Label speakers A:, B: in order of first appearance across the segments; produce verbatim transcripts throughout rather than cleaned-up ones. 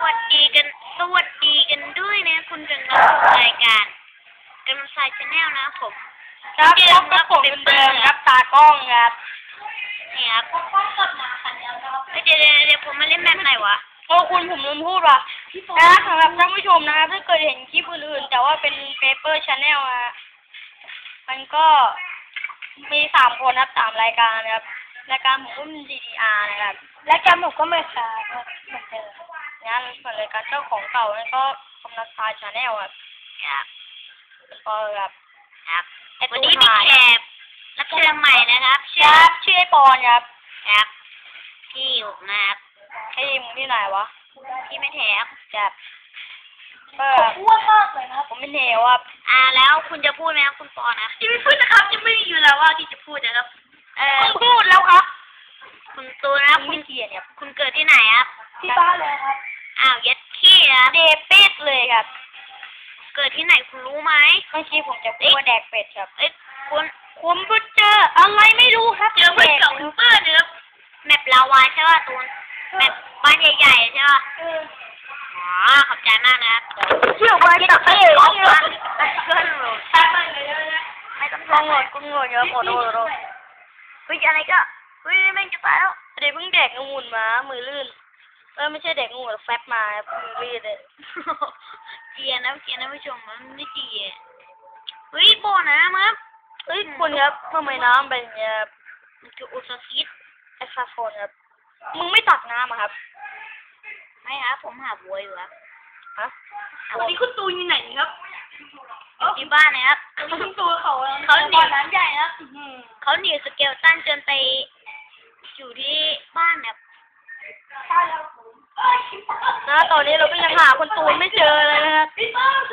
A: วัสดีกันสวัสดีกันด้วยนะคุณกำลังรับชมรายการกำลังสายชาแนลนะผม
B: ครับพบกับผมเดิมครับตากล้องครับ
A: เนี่ยครับกล้องกดมาคันแล้วครับเดี๋ยวเดี๋ยวผมมาเล่นแบบไหนวะ
B: โอ้คุณผมลืมพูดว่ะนะสำหรับท่านผู้ชมนะครับถ้าเกิดเห็นคลิปอื่นๆแต่ว่าเป็นเปเปอร์ชาแนลอะมันก็มีสามคนครับสามรายการนะครับรายการผมก็มี ดี ดี อาร์ นะครับ
A: รายการผมก็ไม่ขาดเหมือนเดิม
B: งั้นส่วนรายการเจ้าของเก่านั่นก็กำลังสายชาแนลครับ
A: ครับ
B: ก็แบบ
A: ครับวันนี้มีแขกรับเชิญใหม่นะครับ
B: ชื่อชื่อไอปอนครับ
A: ครับพี่อยู่นะครับ
B: พี่มึงที่ไหนวะ
A: พี่ไม่แถบ
B: แบบ
A: ก็อ้วนมากเลยนะ
B: ผมเป็นเหวครับ
A: อ่าแล้วคุณจะพูดไหมครับคุณปอนนะ
B: ที่ไม่พูดนะครับจะไม่อยู่แล้วว่าที่จะพูดนะครับ
A: เออ
B: พูดแล้วครับ
A: คุณตูนะ
B: คุณเกียรติครับ
A: คุณเกิดที่ไหนครับ
B: ที่บ้านเลยครับ
A: อ้าวยัดขี้นะ
B: เดเป็ดเลยครับ
A: เกิดที่ไหนคุณรู้ไหม
B: เมื่อกี้ผมจะพูดว่าแดกเป็ดครับ
A: เอ้ยคุณ
B: ผมก็เจออะไรไม่รู้ครับ
A: เจอเพื่อนเก่าคุณเปิ้ลเนื้อแมปลาวาใช่ป่ะตูนแมปบ้านใหญ่ๆใช่ป่ะอ๋อขอบใจมากนะครับ
B: เชื่อว่าจะเอ้ย
A: ร้องมันเกินหรอไม่ต้อง
B: ลองโหลดกุ้งโหลดเยอะโหลดโหลดโหลด
A: เฮ้ยอะไรก็เฮ้ยแม่งจะตายแล้ว
B: เดี๋ยวเพิ่งแดกงูนมามือลื่นเออไม่ใช่แดกงูแฟบมามือลื่นเลย
A: เกียร์นะเกียร์นะผู้ชมมันไม่เกียร์เฮ้ยโบนะมั้ง
B: เฮ้ยคุณครับทำไมน้ำเป็นอย่างเงี้ย
A: มันคืออุซาซิด
B: ไอซาโฟนครับมึงไม่ตักน้ำอะครับ
A: ไม่ครับผมหาบัวอยู่ครับ
B: ฮะวันนี้คุณตูนอยู่ไหนครับ
A: ที่บ้านนะครับ
B: คุณตูนเขา
A: เขาหนี
B: น้ำใหญ่นะ
A: เขาหนีสเกลตันจนไปอยู่ที่บ้านแบบ
B: นะตอนนี้เราก็ยังหาคุณตูนไม่เจอเลยนะครับ
A: ไม่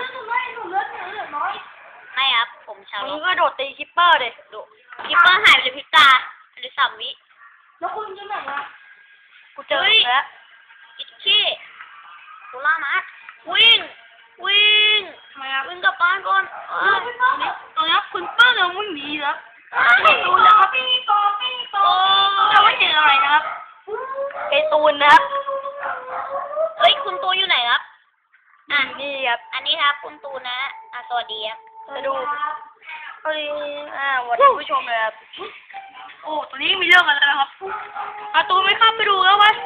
A: ครับผมชาว
B: มึงก็โดดตีคิปเปอร์เลยดู
A: คิปเปอร์หายไปเลยพิตาหรือสามวิ
B: แล้วคุณจะไหนวะกูเจอแล้ว
A: อิทธิโคล่ามาวิ่งวิ่ง
B: ทำไมครับ
A: วิ่งกลับบ้านก่อน
B: ตอนนี้คุณเปิ้ลเราวิ่งหนีแล้ว
A: ไม่
B: รู้นะครับปีโป้ปีโป้เราไม่เจออะไรนะครับไอตูนนะครับ
A: เฮ้ยคุณตูนอยู่ไหนครับ
B: อ่านี่ครับ
A: อันนี้ครับคุณตูนนะอ่ะสวัสดีครับ
B: จะดูสวัสดีอ่าวันนี้ผู้ชมเลยครับโอ้ตอนนี้มีเรื่องอะไรนะครับอาตูนไม่เข้าไปดูแล้ววะ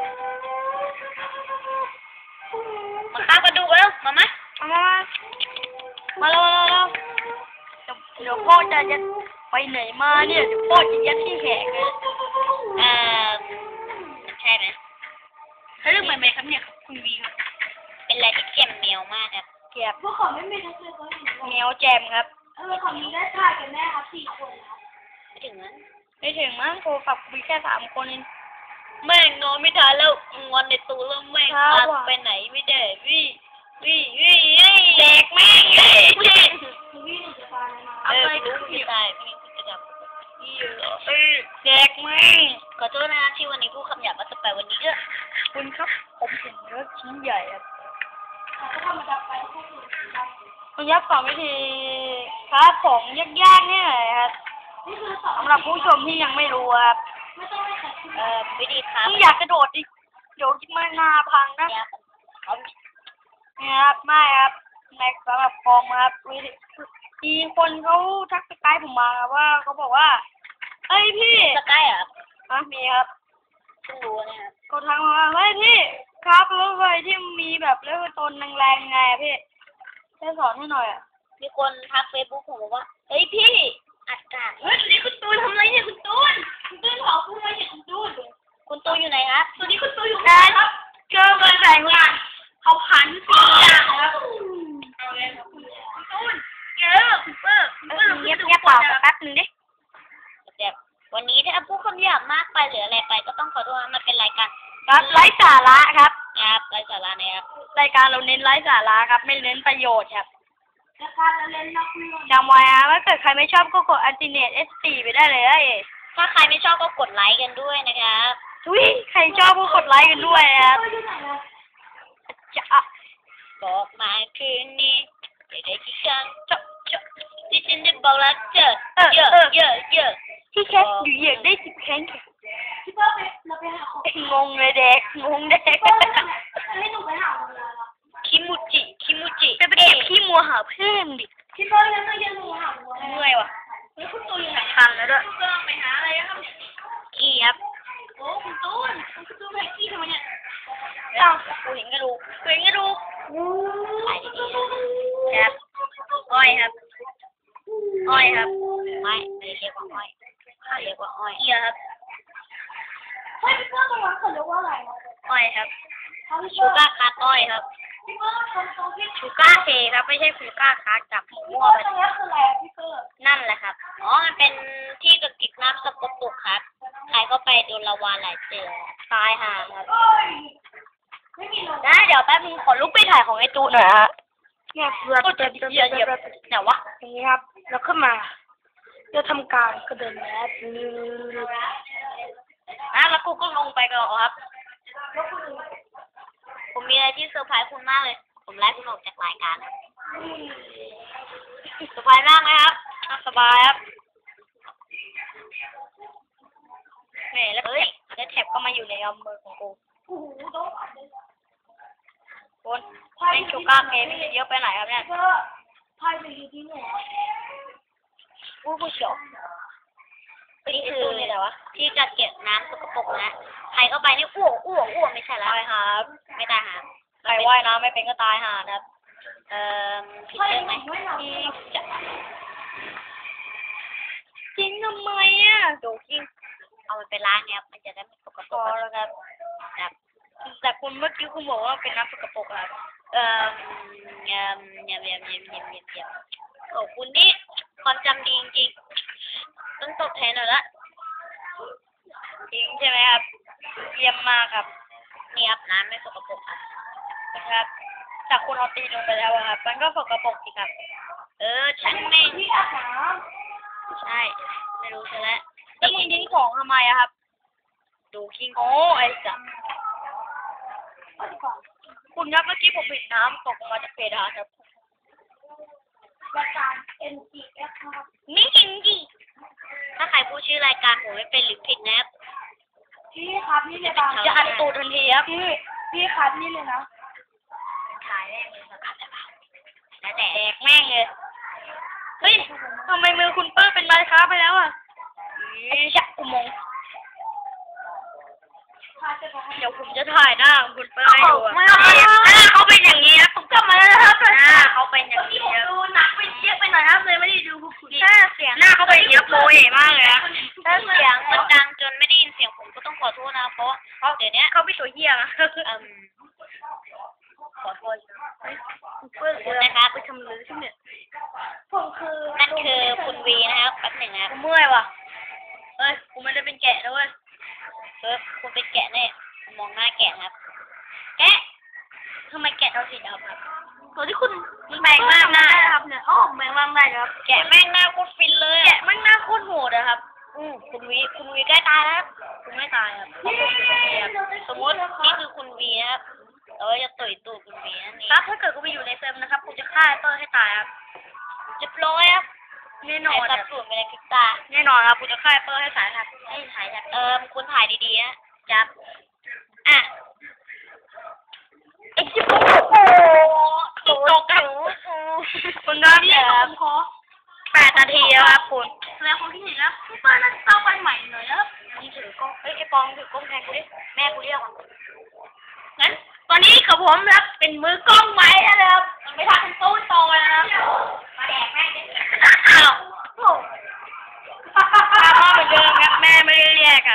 A: มาข้าไปดูกันแล้วมาไหม
B: มามามาแล้วมาแล้วเดี๋ยวพ่อจะยัดไปไหนมาเนี่ยเดี๋ยวพ่อจะยัดที่แหกเลย
A: เอ่อใช่ไหม
B: เขาเรื่องใหม่ๆครับเนี่ยคุณวีครับ
A: เป็นอะไรที่เจ็บเมียวมากครับ
B: เก็บพวกเขาไม่มีทั้งเลยเมียวแจมครับ
A: เออของนี้ได้ถ่ายกันแน่ครับสี่คนครับไม่ถึงนั้น
B: ไม่ถึงมั้งโทรศัพท์มีแค่สามคนเอง
A: แม่งนอนไม่ทันแล้วงอนในตู้แล้วแม่งพาไปไหนไม่ได้วี่วี่วี่
B: แดกแม่ง
A: เลย
B: วี่หนูจะตายนะ
A: เออรู้จะตายพี่จะจับ
B: วี่เหรอเออแดกแม่ง
A: ขอโทษนะที่วันนี้พูดคำหยาบมาสเปรวันนี้ก็
B: คุณครับผมเห็นเนื้อชิ้นใหญ่ครับคุณยับสอนวิธีค้าของยากๆนี่หน่อยครับสำหรับผู้ชมที่ยังไม่รู้ครับ
A: เอ่อวิธีค้า
B: ที่อยากกระโดดดิเดี๋ยวคิดมาหน้าพังนะเนี่ยครับไม่ครับในสำหรับฟองครับมีคนเขาทักสกายผมมาว่าเขาบอกว่าเฮ้ยพี่
A: สกายอ่ะ
B: อ่ะมีครับ
A: เพิ่งรู้เนี่ย
B: เขาทักมาว่าเฮ้ยพี่ครับรถไฟที่มีแบบเลือดต้นแรงๆไงพี่ช่วยสอนให้หน่อยอ่ะ
A: มีคนทักเฟซบุ๊กผมบอกว่าเฮ้ยพี่อัดกาด
B: เฮ้ยนี่คุณตูนทำไรเนี่ยคุณตูนคุณตูนขอพูดอะไรเนี่ยคุณตูน
A: คุณตูนอยู่ไหนครับ
B: ตอนนี้คุณตูนอยู่ไหนครับเจอมาแสงวันเขาพันสี่อย่างครับเอาเลยครับคุณตูนเจอคุณเปิ้ลคุณเปิ้ล
A: เงียบเงียบเปล่าแป๊บนึงดิแบบวันนี้ถ้าพูดคำหยาบมากไปหรืออะไรไปก็ต้องขอโทษมันเป็นรายการ
B: ไร้สาระครับ
A: ครับไร้สาระนะครับ
B: รายการเราเน้นไร้สาระครับไม่เน้นประโยชน์ครับ
A: รายการเราเน้นนักเรียน
B: จำไว้นะถ้าเกิดใครไม่ชอบก็กดอัลติเนตเอสตีไปได้เลย
A: ถ้าใครไม่ชอบก็กดไลค์กันด้วยนะครับ
B: ทุยใครชอบก็กดไลค์กันด้วยครับจะ
A: บอกมาคืนนี้จะได้ที่ฉันจบจบที่ฉันจะบอกรักเธอเยอะเยอะเยอะ
B: ที่แค่อยู่เหยียดได้สิบแข้ง
A: ที่พ่อไปเราไปหาของ
B: งงเลยเด็กงงเด็ก
A: ให้หนูไปหา
B: หาเพื่อนดิ
A: พี่เปิ้ลยังไม่ยังหาหัว
B: เมื่อยว่ะ
A: แล้วคุณตูนอยู่ไหน
B: คันแล้วด้วย
A: คุณตูนไปหาอะไรครับ
B: ขี้ครับ
A: โอ้คุณตูนคุณตูนไปขี้ทำไมเนี่ย
B: เอ้ากูเห็นกระดูกกูเห็นกระดูก
A: ถ่ายดีๆ
B: ครับอ้อยครับอ้อยครับ
A: ไม่ไม่ได้เรียกว่าอ้อยเขาเรียกว่าอ้อย
B: เกียครับ
A: เฮ้ยพี่เปิ้ลตรงนั้นเขาเรียกว่าอะไรนะ
B: อ้อยครับ
A: พี่
B: ชู
A: เปิ้ล
B: ก้าคัทอ้อยครับ
A: พี่เปิ้ลตรงตรงที่
B: ชูก้าเคครับไม่ใช่ชูก้าคัทจับ
A: พี่
B: มั่ว
A: เปิ้ล
B: ไป
A: ตรงนี้คืออะไรอะพี่เปิ้ล
B: นั่นแหละครับ
A: อ๋อมันเป็นที่กักเก็บน้ำสกปรกครับใครก็ไปโดนละวานหลายเจอ
B: ตายห่าครับ
A: ไม่มีลม
B: ได้เดี๋ยวแป๊บนึงขอลุกไปถ่ายของไอ้ตูนหน่อยฮะ
C: เนี่ยเพื่อ
B: ก็จะเหยียบเหยียบไหนวะ
C: อย่างนี้ครับ แล้วขึ้นมาจะทำการกระเดินแล้ว
B: อ่ะแล้วกูก็ลงไปก่อนครับ
A: ผมมีอะไรที่เซอร์ไพรส์คุณมากเลย ผมไล่คุณออกจากรายการนะเซอร์ไพรส์มากไหมครับ
B: อ่ะสบายครับแหมแล้ว
A: เฮ้ย
B: แล้วแท็บก็มาอยู่ในเอามือของกู
A: โอ้โหต้อง
B: คนแม่งชูก้าเคไม่เยอะไปไหนครับเนี่ย
A: ก็พายไปอยู่ที่ไหน
B: อู้ผู้เฉียว
A: นี่คือที่กักเก็บน้ำสกปรกนะใครเข้าไปนี่อ้วกอ้วกอ้วกไม่ใช่แล้ว
B: ตายครับ
A: ไม่ได้ครับ
B: ใครว่ายน้ำไม่เป็นก็ตายห่านะครับ
A: เอ่อผิดเรื่องไหม
B: จริงจะจริงทำไมอ่ะ
A: ดูที่เอามันไปล้างเนี่ยมันจะได้ไม่สกป
B: พ
A: ร
B: อก แล้วครับ
A: ครับ
B: แต่คุณเมื่อกี้คุณบอกว่าเป็นน้ำสกปรกครับ
A: เอ่อเยี่ยมเยี่ยมเยี่ยมเยี่ยมเยี่ยมเยี่ยมเยี่ยมโอ้คุณนี่ความจำดีจริงๆต้องตบแทนหน่อยละ
B: จริงใช่ไหมครับเยี่ยมมากครับ
A: นี่ครับน้ำไม่สกปรกครับ
B: นะครับจากคุณเอาตีนลงไปแล้วอะครับ มันก็สกปรกสิครับ
A: เออช่างแม่ง
C: ที่อาบน้
A: ใช่ไม่รู้ซะแล้ว
B: แล้วมึงทิ้งของทำไมอะครับ
A: ดูคิง
B: โอ้ไอ้สัส
C: ำเอาดีกว่า
B: คุณครับเมื่อกี้ผมเห็นน้ำตกลงมาจากเพดานครับ
C: รายการ เอ็น จี เอฟ ครับ
B: นี่จริงจริง
A: ถ้าใครพูดชื่อรายการผมไม่เป็นหรือผิดนะครับ
C: พี่ครับนี่เลยบาง
B: จะอัดตูดทันทีครับ
C: พี่พี่ครับนี่เลยนะ
A: ถ่ายแม่งเลยสักอันได้ปะแล้วแต่
B: แดกแม่งเลย เฮ้ยทำไมมือคุณเปิ้ลเป็นไม้ค้าไปแล้วอะไอ้ชักกุมง
C: พาจะบอกให้
B: เดี๋ยวผมจะถ่ายหน้าของคุณเปิ้ลให้ดูอะ
A: ไม่
B: หน้าเขาเป็นอย่างนี้นะผมกลับมาแล้วนะครับหน้าเขาเป็นอย่างนี้ครับ
C: ดูหนักไปเยอะไปหน่อยครับเลยไม่ได้ดูพวกคุณ
B: หน้าเสียงหน้าเขาเป็นอย่างนี้โปรเอมากเลยนะ
A: ถ้าเสียงมันดังจนไม่ได้ยินเสียงผมก็ต้องขอโทษนะเพราะเพราะเดี๋ยวนี้
B: เขาไม่ตัวเหี้ยนะ
A: เอ่มขอโทษ
B: เปิ้ล
A: ขอบคุณนะครับ
B: ไปทำเลยใช่ไหม
C: ผมคือ
A: นั่นคือคุณวีนะครับแป๊บหนึ่งนะครับ
B: กูเมื่อยว่ะเฮ้ยกูไม่ได้เป็นแกะนะเว้ย
A: เออคุณเป็นแกะเนี่ยมองหน้าแกะครับ แกะ
B: ทำไมแกะเราสีดำครับ
C: ตัวที่คุณ
B: แบ่งมากหน้า
C: ครับเนี่ยอ๋อแบ่งมากได้ครับ
B: แกะแม่งหน้าโคตรฟินเลยแกะแม่งหน้าโคตรโหดอะครับ
A: อืมคุณวีคุณวีใกล้ตายแล้ว
B: กูไม่ตายครับเพราะผมอยู่ตรงนี้ครับ
A: สมมตินี่คือคุณวีนะครับเราจะต่อยตูดคุณวีนั่นเอง
B: ครับถ้าเกิดกูไปอยู่ในเซิร์ฟนะครับกูจะฆ่าไอ้เปิ้ลให้ตายครับ
A: จะโปรยครับ
B: แน่นอ
A: ถ่าย
B: น
A: สั
B: ครับ
A: บสูนไปในพริบตา
B: แน่นอนครับกูจะฆ่าไอ้เปิ้ลให้ตายครับ
A: ให้ถ่ายจากเอิมคุณถ่ายดีๆนะจับอ่ะ
B: ไอ้จิ๊บโอ้โหตกตกครับคุณครับ
C: พี่
B: เดี๋ยว
C: ผมขอ
B: แปดนาทีแล้วครับคุณ
C: แสดงความคิดเห็นแล้วพี่เปิ้ลน่าจะต้องไปใหม่หน่อยนะครับ
B: มึงถือกล้องเฮ้ยไอ้ปองถือกล้องแทนกูดิแม่กูเรียกว่ะ
C: งั้นตอนนี้กับผมนะครับเป็นมือกล้องไว้นะครับไม่ทันเป็นตู้โตนะครับ
A: มาแดกแม่งดิ
B: อ้าว
C: โอ้
B: ตามมาเหมือนเดิมครับแม่ไม่ได้เรียกครับ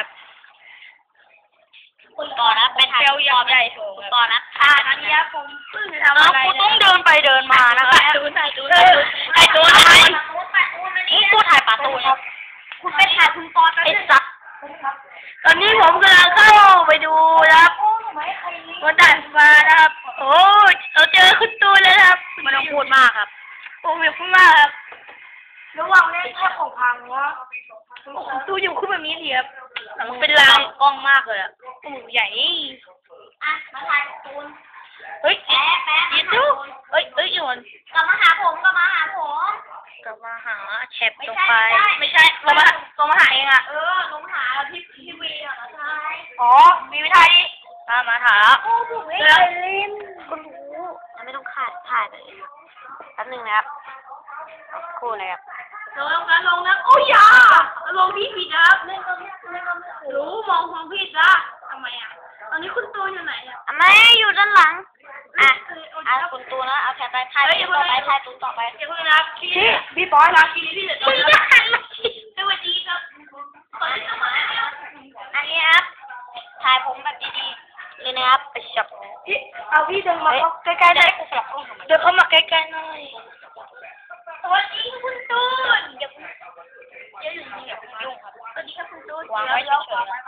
A: คุณก่อนนะไปถ่าย
B: เซลล์
A: คุณ
B: ยั
A: ก่อน
B: งใหญ่
A: นะ
B: สูง
A: คุณ
B: ครับ
A: ก่อนนะ
C: อ่าตอนนี้ครับผมเพิ่งจะทำ
B: แล้ว
C: อะไร
B: กูต้องเดินไปเดินมานะครับ
C: ตูนถ่ายตูน
B: เออไอ้ตัวทำไมนี่กูถ่ายปลาตูนครับ
C: คุณไปถ่ายคุณปอตอน
B: ไอ้
C: นี้
B: สัสตอนนี้ผมกำลังเข้าไปดูนะครับ
C: โอ้ทำไมใครนี่
B: บนด่านฟ้านะครับ โอ้ยเราเจอคุณตูนแล้วนะครับไม่ต้องพูดมากครับโอ้ยพูดมากครับ
C: ระหว่างเล่นแค่ของพังวะ
B: ตูอยู่ขึ้นแบบนี้ดีครับมันเป็นลางกล้องมากเลยอะโอ้โหใหญ่
A: อ่ะมาถ่ายตูน
B: เฮ้ย
A: แป๊ะแป๊ะ
B: ยินดูเฮ้ยเฮ้ยอีกคน
A: กลับมาหาผมกลับมาหาผม
B: กลับมาหาแชป
A: ไม่
B: ลง
A: ใช่
B: ไป
A: ไม่
B: ไม่
A: ใช่
B: ใช่ลงมาลงมาหาเองอะ
A: เออลงหาพี่พี่วีอ่ะเหรอใช่
B: อ๋อมีวิธีดิมามาหา
C: โอ้ผมไม่เคยเล่น
B: ก็รู้
A: มันไม่ต้องฆ่าายถ่ายไปเองแป๊บนึงนะครับครู่นะครับ
C: ลงนะลงนะโอ้ยอย่าลงพี่ผิดนะครับเล่นก็เล่นก็ไม่รู้มองมองผิดนะทำไมอ่ะตอนนี้คุณตูนอยู่ไหนอ่ะ
A: อ่ะไม่อยู่ด้านหลังอ่ะอ่ะคุณตูนนะเอาแขนไปถ่ายตูนต่อไปถ่ายตูนต่อไป
C: เดี๋ยวคุณนะพี่
B: พี่บอย
C: ลาคีพี่เดี๋ยว
A: มึงจะหันมาสิ
C: สวัสดีครับสวัสดีครับ
A: อันนี้ครับถ่ายผมแบบดีๆเลยนะครับไปช็อป
B: พี่เอาพี่เดินมาใกล้ๆได้กูสลับกล้องทำไมเดินเข้ามาใกล้ๆหน่อย
C: สวัสดีคุณตูนเดี๋ยวเดี๋ยวอยู่นี่เดี๋ยวคุณยุ่งครับสวัสดีครับคุณตูน
B: วางไว้เฉยๆ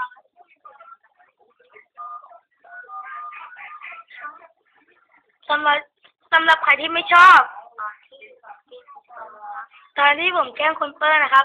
B: สำหรับสำหรับใครที่ไม่ชอบตอนที่ผมแกล้งคุณเปิ้ลนะครับ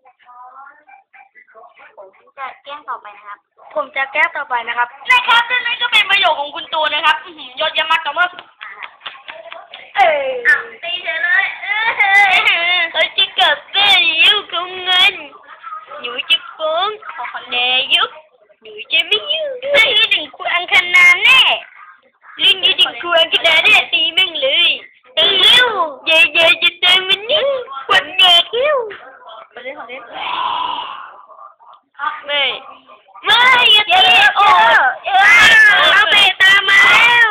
A: ผมจะแกล้งต่อไปนะครับ
B: ผมจะแก้ต่อไปนะครับนะครับนั่นก็เป็นประโยคของคุณตูนนะครับอื้อหือยอดเยี่ยมมากครับว่าเอ้ย
C: อ้าวตีเฉยเลยเออ
A: เขาจะกลับบ้านแล้วของเงินหนูจะฟ้องนายกหนูจะไม่ยุ่งด้วยเรื่องถึงครูอังคณาแน่เรื่องนี้ถึงครูอังคณาเนี่ยตีแม่งเลยตีเร็วเย่เย่จะเติมมันนี่ขวัญเด็กเร็ว
B: ขอเล่นขอเล่น
A: ไม่ไม่อย่าตีโอ้เออเอาเบตามมาแล้ว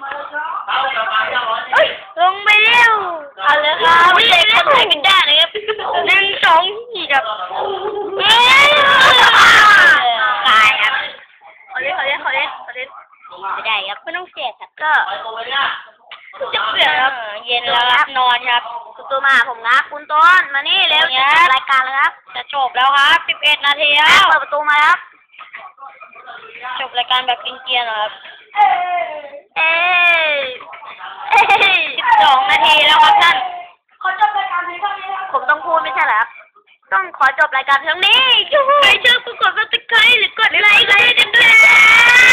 A: เอ้ยลงไปเร็ว
B: เอาเลยครับ
A: ไม่ได้คนไหนกันได้เลยครับหนึ่งสองสี่ครับเอ้ยตายครับ
B: ขอเล่นขอเล่นขอเล่นขอเล่น
A: ไม่ได้ครับไม่ต้องเสียครับก็
B: จะเปลี่ยนครับเย็นแล้วครับนอนครับ
A: คุณตัวมาผมนะคุณต้นมานี่เร็วจะจบรายการแล้วครับ
B: จะจบแล้วครับสิบเอ็ดนาทีแล้ว
A: เปิดประตูมาครับ
B: จบรายการแบบกินเกียร์นะครับ
A: เอ้ยเอ้ย
B: สิบสองนาทีแล้วครับท่าน
C: ขอจบรายการนี้เท่านี้ครับ
A: ผมต้องพูดไม่ใช่เหรอครับต้องขอจบรายการเพียงนี้ไม่ใช่